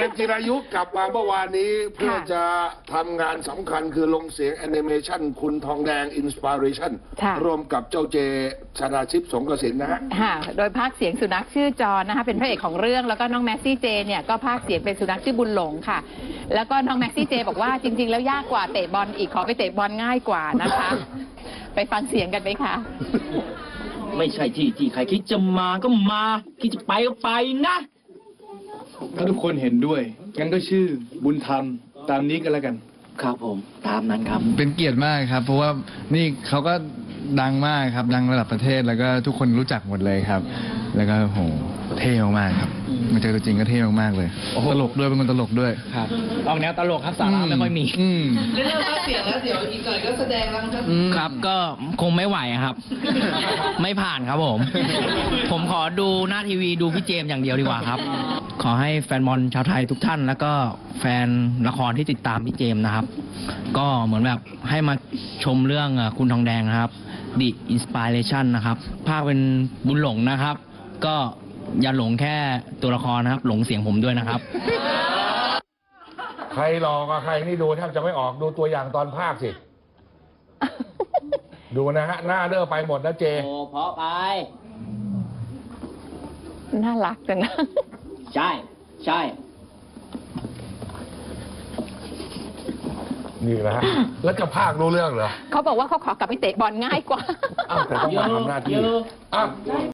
มจิรายุกลับมาเมื่อวานนี้เพื่อจะทำงานสำคัญคือลงเสียงแอนิเมชันคุณทองแดงอินสปิเรชันรวมกับเจ้าเจชนาชิพสงกสินนะฮะโดยภาคเสียงสุนัขชื่อจอนนะคะเป็นพระเอกของเรื่องแล้วก็น้องแม็กซี่เจเนี่ยก็ภาคเสียงเป็นสุนัขชื่อบุญหลงค่ะแล้วก็น้องแม็กซี่เจบอกว่าจริงๆแล้วยากกว่าเตะบอลอีกขอไปเตะบอลง่ายกว่านะคะไปฟังเสียงกันไหมคะไม่ใช่ที่ใครคิดจะมาก็มาคิดจะไปก็ไปนะถ้าทุกคนเห็นด้วยงั้นก็ชื่อบุญธรรมตามนี้กันแล้วกันครับผมตามนั้นครับเป็นเกียรติมากครับเพราะว่านี่เขาก็ดังมากครับดังระดับประเทศแล้วก็ทุกคนรู้จักหมดเลยครับแล้วก็โหเท่มากๆครับมาเจอตัวจริงก็เท่มากๆเลยตลกด้วยเป็นคนตลกด้วยครับออกแนวตลกครับสาระไม่ค่อยมีเรื่องภาคเสียงแล้วเดี๋ยวอีกหน่อยก็แสดงแล้วครับครับก็คงไม่ไหวครับไม่ผ่านครับผมขอดูหน้าทีวีดูพี่เจมส์อย่างเดียวดีกว่าครับขอให้แฟนบอลชาวไทยทุกท่านแล้วก็แฟนละครที่ติดตามพี่เจมส์นะครับก็เหมือนแบบให้มาชมเรื่องคุณทองแดงนะครับ The Inspiration นะครับภาคเป็นบุญหลงนะครับก็อย่าหลงแค่ตัวละครนะครับหลงเสียงผมด้วยนะครับใครหลอกใครนี่ดูแทบจะไม่ออกดูตัวอย่างตอนภาคสิดูนะฮะหน้าเด้อไปหมดนะเจโอ้เพราะไปน่ารักจังนะใช่นี่แหละฮะแล้วจะภาครู้เรื่องเหรอเขาบอกว่าเขาขอกลับไปเตะบอลง่ายกว่าอ้าวแต่ต้องมาทำหน้าที่อ้าว